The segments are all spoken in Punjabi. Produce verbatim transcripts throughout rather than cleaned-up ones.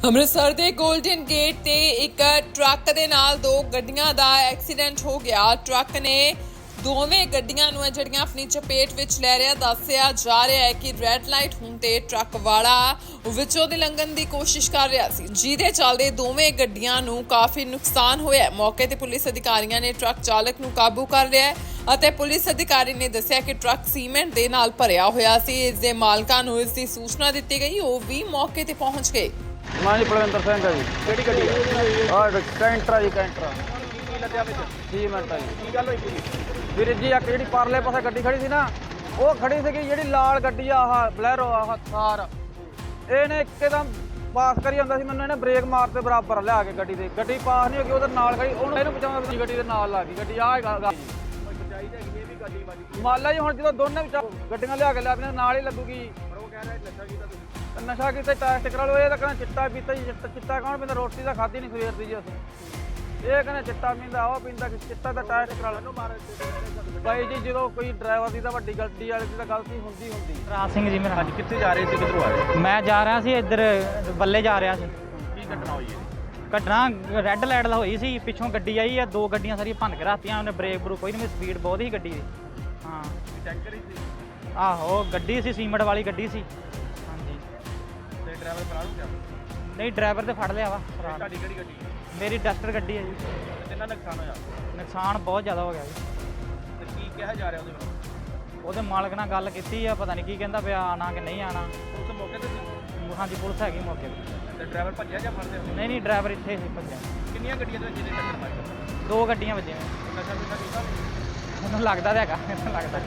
ਅੰਮ੍ਰਿਤਸਰ ਦੇ ਗੋਲਡਨ ਗੇਟ ਤੇ ਇੱਕ ਟਰੱਕ ਦੇ ਨਾਲ ਦੋ ਗੱਡੀਆਂ ਦਾ ਐਕਸੀਡੈਂਟ ਹੋ ਗਿਆ। ਟਰੱਕ ਨੇ ਦੋਵੇਂ ਗੱਡੀਆਂ ਨੂੰ ਜਿਹੜੀਆਂ ਆਪਣੀ ਚਪੇਟ ਵਿੱਚ ਲੈ ਰਿਹਾ। ਦੱਸਿਆ ਜਾ ਰਿਹਾ ਹੈ ਕਿ ਰੈੱਡ ਲਾਈਟ ਹੋਣ ਤੇ ਟਰੱਕ ਵਾਲਾ ਵਿੱਚੋਂ ਦੀ ਲੰਘਣ ਦੀ ਕੋਸ਼ਿਸ਼ ਕਰ ਰਿਹਾ ਸੀ, ਜਿਹਦੇ ਚੱਲਦੇ ਦੋਵੇਂ ਗੱਡੀਆਂ ਨੂੰ ਕਾਫੀ ਨੁਕਸਾਨ ਹੋਇਆ। ਮੌਕੇ ਤੇ ਪੁਲਿਸ ਅਧਿਕਾਰੀਆਂ ਨੇ ਟਰੱਕ ਚਾਲਕ ਨੂੰ ਕਾਬੂ ਕਰ ਲਿਆ ਅਤੇ ਪੁਲਿਸ ਅਧਿਕਾਰੀ ਨੇ ਦੱਸਿਆ ਕਿ ਟਰੱਕ ਸੀਮੈਂਟ ਦੇ ਨਾਲ ਭਰਿਆ ਹੋਇਆ ਸੀ। ਇਸ ਦੇ ਮਾਲਕਾਂ ਨੂੰ ਇਸ ਦੀ ਸੂਚਨਾ ਦਿੱਤੀ ਗਈ, ਉਹ ਵੀ ਮੌਕੇ ਤੇ ਪਹੁੰਚ ਗਏ। ਮੈਂ ਜੀ ਬਲਵਿੰਦਰ ਸਿੰਘ ਆ ਜੀ। ਕਿਹੜੀ ਗੱਡੀ ਆ? ਆਹ ਕੈਂਟਰਾ ਜੀ ਕੈਂਟਰਾ ਕੀ ਲੱਦਿਆ ਵਿੱਚ? ਤੀਹ ਮਿੰਟ ਆ ਜੀ। ਕੀ ਗੱਲ ਹੋਈ ਪੂਰੀ? ਵੀਰ ਜੀ ਇੱਕ ਜਿਹੜੀ ਪਰਲੇ ਪਾਸੇ ਗੱਡੀ ਖੜੀ ਸੀ ਨਾ, ਉਹ ਖੜੀ ਸੀਗੀ ਜਿਹੜੀ ਲਾਲ ਗੱਡੀ ਆ, ਆਹ ਬਲੈਰੋ ਆਹ ਥਾਰ। ਇਹਨੇ ਇੱਕਦਮ ਪਾਸ ਕਰੀ ਜਾਂਦਾ ਸੀ, ਮੈਨੂੰ ਇਹਨੇ ਬ੍ਰੇਕ ਮਾਰਤੇ ਬਰਾਬਰ ਲਿਆ ਕੇ ਗੱਡੀ ਦੇ। ਗੱਡੀ ਪਾਸ ਨਹੀਂ ਹੋ ਗਈ, ਉਹਦੇ ਨਾਲ ਖੜੀ, ਉਹਨੂੰ ਇਹਨੂੰ ਬਚਾਉਣ ਦੀ ਗੱਡੀ ਦੇ ਨਾਲ ਲੱਗ ਗਈ ਗੱਡੀ। ਆਹ ਗੱਲ ਜੀ ਬਚਾਈ ਤਾਂ ਹੈਗੀ, ਇਹ ਵੀ ਗੱਡੀ ਵੱਜ ਗਈ। ਮਾਲਾ ਜੀ ਹੁਣ ਜਦੋਂ ਦੋਨੇ ਵਿੱਚ ਗੱਡੀਆਂ ਲਿਆ ਕੇ ਲਿਆ ਆਪਣੇ ਨਾਲ ਹੀ ਲੱਗੂਗੀ। ਪਰ ਉਹ ਕਹਿ ਰਿਹਾ ਨਸ਼ਾ ਕੀਤਾ ਤੁਸੀਂ। ਨਸ਼ਾ ਕੀਤਾ ਟੈਸਟ ਕਰਾ ਲਓ। ਇਹ ਤਾਂ ਕਹਿੰਦਾ ਚਿੱਟਾ ਪੀਤਾ ਜੀ। ਚਿੱਟਾ ਚਿੱਟਾ ਕੌਣ ਪੀਂਦਾ? ਰੋਟੀ ਤਾਂ ਖਾਧੀ ਨਹੀਂ ਸਵੇਰ ਦੀ ਜੀ ਅਸੀਂ। ਇਹ ਕਹਿੰਦਾ ਚਿੱਟਾ ਪੀਂਦਾ, ਉਹ ਪੀਂਦਾ, ਚਿੱਟਾ ਦਾ ਟੈਸਟ ਕਰਾ ਲਓ। ਬਾਈ ਜੀ ਜਦੋਂ ਕੋਈ ਡਰਾਈਵਰ ਦੀ ਤਾਂ ਵੱਡੀ ਗੱਡੀ ਵਾਲੇ ਦੀ ਤਾਂ ਗਲਤੀ ਹੁੰਦੀ ਹੁੰਦੀ। ਰਾਜ ਸਿੰਘ ਜੀ ਮੇਰਾ। ਅੱਜ ਕਿੱਥੇ ਜਾ ਰਹੇ ਸੀ, ਕਿੱਧਰੋਂ ਆ ਰਹੇ? ਮੈਂ ਜਾ ਰਿਹਾ ਸੀ ਇੱਧਰ ਬੱਲੇ ਜਾ ਰਿਹਾ ਸੀ। ਕੀ ਘਟਨਾ ਹੋਈ ਹੈ? ਘਟਨਾ ਰੈੱਡ ਲਾਈਟ ਦਾ ਹੋਈ ਸੀ, ਪਿੱਛੋਂ ਗੱਡੀ ਆਈ ਆ, ਦੋ ਗੱਡੀਆਂ ਸਾਰੀਆਂ ਭੰਨ ਕੇ ਰੱਖਤੀਆਂ ਉਹਨੇ। ਬ੍ਰੇਕ ਬਰੂ ਕੋਈ ਨਹੀਂ, ਸਪੀਡ ਬਹੁਤ ਸੀ ਗੱਡੀ ਦੀ। ਹਾਂ ਟੈਂਕਰ ਹੀ ਸੀ? ਆਹੋ ਗੱਡੀ ਸੀ, ਸੀਮੈਂਟ ਵਾਲੀ ਗੱਡੀ ਸੀ। ਹਾਂਜੀ ਤੇ ਡਰਾਈਵਰ ਫਰਾਰ ਹੋ ਗਿਆ? ਨਹੀਂ ਡਰਾਈਵਰ ਤੇ ਫੜ ਲਿਆ ਵਾ। ਤੁਹਾਡੀ ਕਿਹੜੀ ਗੱਡੀ ਹੈ? ਮੇਰੀ ਡਸਟਰ ਗੱਡੀ ਹੈ ਜੀ। ਤੇ ਕਿੰਨਾ ਨੁਕਸਾਨ ਹੋਇਆ? ਨੁਕਸਾਨ ਬਹੁਤ ਜ਼ਿਆਦਾ ਹੋ ਗਿਆ ਜੀ। ਤੇ ਕੀ ਕਿਹਾ ਜਾ ਰਿਹਾ ਉਹਦੇ ਵੱਲੋਂ? ਉਹਦੇ ਮਾਲਕ ਨਾਲ ਗੱਲ ਕੀਤੀ ਆ, ਪਤਾ ਨਹੀਂ ਕੀ ਕਹਿੰਦਾ ਪਿਆ, ਆਣਾ ਕਿ ਨਹੀਂ ਆਣਾ। ਉਸ ਮੌਕੇ ਤੇ ਸੀ? ਹਾਂਜੀ ਪੁਲਿਸ ਹੈਗੀ ਮੌਕੇ ਤੇ। ਤੇ ਡਰਾਈਵਰ ਭੱਜਿਆ ਜਾਂ ਫੜਦੇ ਹੋ? ਨਹੀਂ ਨਹੀਂ ਡਰਾਈਵਰ ਇੱਥੇ ਸੀ ਭੱਜਿਆ। ਕਿੰਨੀਆਂ ਗੱਡੀਆਂ ਦੇ ਵਿੱਚ ਜਿਹਦੇ ਟੱਕਰ ਮਾਰੀ? ਦੋ ਗੱਡੀਆਂ ਵੱਜੀਆਂ। ਨਸ਼ਾ ਨੁਸ਼ਾ ਕੀਤਾ? ਮੈਨੂੰ ਲੱਗਦਾ ਤਾਂ ਹੈਗਾ, ਮੈਨੂੰ ਲੱਗਦਾ।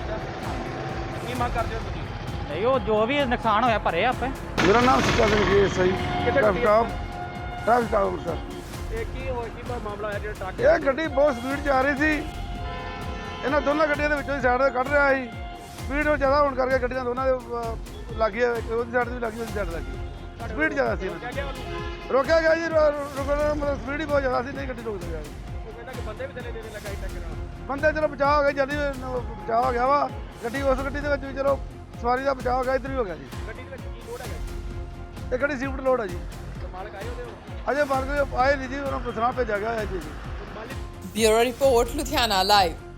ਕੀ ਮੰਗ ਕਰਦੇ ਹੋ ਤੁਸੀਂ? ਨਹੀਂ ਉਹ ਜੋ ਵੀ ਨੁਕਸਾਨ ਹੋਇਆ ਭਰੇ ਆਪੇ। ਮੇਰਾ ਨਾਮ ਸੁੱਚਾ ਸਿੰਘ ਜੀ ਸਹੀ ਕਿੱਥੇ ਗੱਡੀ ਟਰੱਕ ਟਰੱਕ ਟਾਵਰ ਸਰ। ਇਹ ਕੀ ਹੋਇਆ, ਕੀ ਮਾਮਲਾ ਹੋਇਆ ਜਿਹੜਾ ਟਰੱਕ? ਇਹ ਗੱਡੀ ਬਹੁਤ ਸਪੀਡ 'ਚ ਆ ਰਹੀ ਸੀ। ਇਹਨਾਂ ਦੋਨਾਂ ਗੱਡੀਆਂ ਦੇ ਵਿੱਚੋਂ ਹੀ ਸਾਈਡ ਕੱਢ ਰਿਹਾ ਸੀ। ਸਪੀਡ ਉਹ ਜ਼ਿਆਦਾ ਹੋਣ ਕਰਕੇ ਗੱਡੀਆਂ ਦੋਨਾਂ ਦੇ ਅਹ, ਲੱਗ ਗਈਆਂ। ਉਹਦੀ ਸਾਈਡ ਵੀ ਲੱਗੀ, ਉਹਦੀ ਸਾਈਡ ਲੱਗੀ। ਸਪੀਡ ਜ਼ਿਆਦਾ ਸੀ। ਕਿਆ ਗਿਆ ਉਹਨੂੰ? ਰੋਕਿਆ ਗਿਆ ਜੀ, ਰੋ- ਰੁਕਣ ਦਾ ਮਤਲਬ ਸਪੀਡ ਹੀ ਬਹੁਤ ਜ਼ਿਆਦਾ ਸੀ, ਨਹੀਂ ਗੱਡੀ ਰੁਕ ਸਕਿਆ। ਉਹ ਕਹਿੰਦਾ ਕਿ ਬੰਦੇ ਵੀ ਥੱਲੇ ਦੇਣੇ ਲੱਗਾ ਸੀ ਟੱਕਰ ਨਾਲ। ਬੰਦੇ ਚਲੋ ਬਚਾਅ ਹੋ ਗਿਆ, ਜਲਦੀ ਬਚਾਅ ਹੋ ਗਿਆ ਵਾ। ਗੱਡੀ ਉਸ ਗੱਡੀ ਦੇ ਵਿੱਚ ਵੀ ਚਲੋ ਸਵਾਰੀ ਦਾ ਬਚਾਅ ਹੋ ਗਿਆ, ਇੱਧਰ ਵੀ ਹੋ ਗਿਆ ਜੀ। ਗੱਡੀ ਦੇ ਵਿੱਚ ਕੀ ਲੋਡ ਹੈਗਾ? ਇਹ ਗੱਡੀ ਸਿਫਟ ਲੋਡ ਹੈ ਜੀ। ਤੇ ਮਾਲਕ ਆਏ ਉਹਦੇ? ਅਜੇ ਮਾਰਗ ਆਏ ਨਹੀਂ ਜੀ, ਉਹਨਾਂ ਨੂੰ ਪੁੱਛਣਾ ਭੇਜਿਆ ਗਿਆ ਹੈ ਜੀ। ਮਾਲਿਕ ਬਿਊਰੋ ਰਿਪੋਰਟ ਲੁਧਿਆਣਾ ਲਾਈਵ।